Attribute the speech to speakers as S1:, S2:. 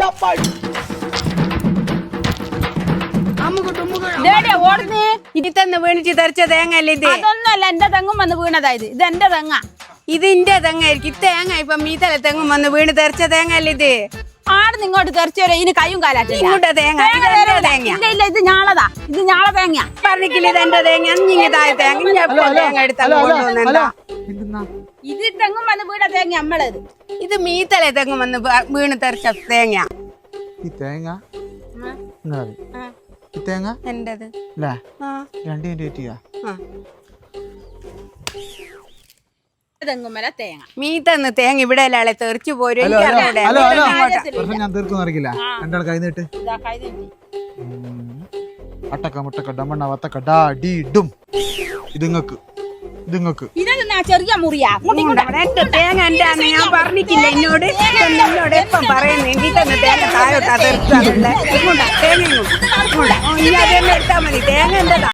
S1: ഇതിന്ന് വീണിട്ട് തെറിച്ച തേങ്ങ അല്ലേ ഇത്?
S2: അതൊന്നുമല്ല, എന്റെ തെങ്ങും വന്ന് വീണതായത്. ഇത് എന്റെ തെങ്ങ.
S1: ഇതിന്റെ തെങ്ങായിരിക്കും. തേങ്ങ ഇപ്പൊ മീത്തല തെങ്ങും വന്ന് വീണ് തെറിച്ച തേങ്ങ അല്ലേ ഇത്?
S2: ആട് നിങ്ങോട്ട് തെറിച്ചു വരെ ഇതിന് കയ്യും കാലാറ്റില്ല.
S1: ഇങ്ങോട്ട് തേങ്ങ
S2: ഇല്ല ഇല്ല, ഇത് ഞാളതാ. ഇത് ഞാള തേങ്ങ.
S1: പറഞ്ഞില്ല ഇതെന്റെ തേങ്ങ. അഞ്ഞിങ്ങി താഴെ തേങ്ങ തേങ്ങ എടുത്താൽ കൊണ്ടുവന്നെന്താ?
S2: ഇത് തെങ്ങും വന്ന് വീണ തേങ്ങ നമ്മളത്.
S1: ഇത് മീത്തല തെങ്ങും വന്ന് വീണ് തെറിച്ച തേങ്ങ.
S3: ഈ തേങ്ങ ഈ തേങ്ങ
S1: എന്റത്
S3: രണ്ടിന്റെ പറ്റിയാ
S2: തെങ്ങുമല തേങ്ങ.
S1: മീത്തന്ന് തേങ്ങ ഇവിടെ അല്ലേ തെറിച്ചു പോരും.
S3: ഞാൻ തീർക്കും അറിയില്ല. രണ്ടാൾ കൈ നീട്ട്. അട്ടക്ക മുട്ടക്ക ഡമണ്ണ വത്തക്ക ഡാ ഡി ഡും. ഇതുങ്ങക്ക്
S2: ചെറിയ മുറിയാ
S1: തേങ്ങ എന്റെ ഞാൻ പറഞ്ഞിട്ടില്ല എന്നോട്. എന്നോട് എപ്പം പറയുന്നു എങ്കിൽ തന്നെ തേങ്ങ താഴോട്ടാ തെറിച്ചാണല്ലേ. തേങ്ങ ഇനി അതെല്ലാം എടുത്താൽ മതി. തേങ്ങ എന്റെതാ.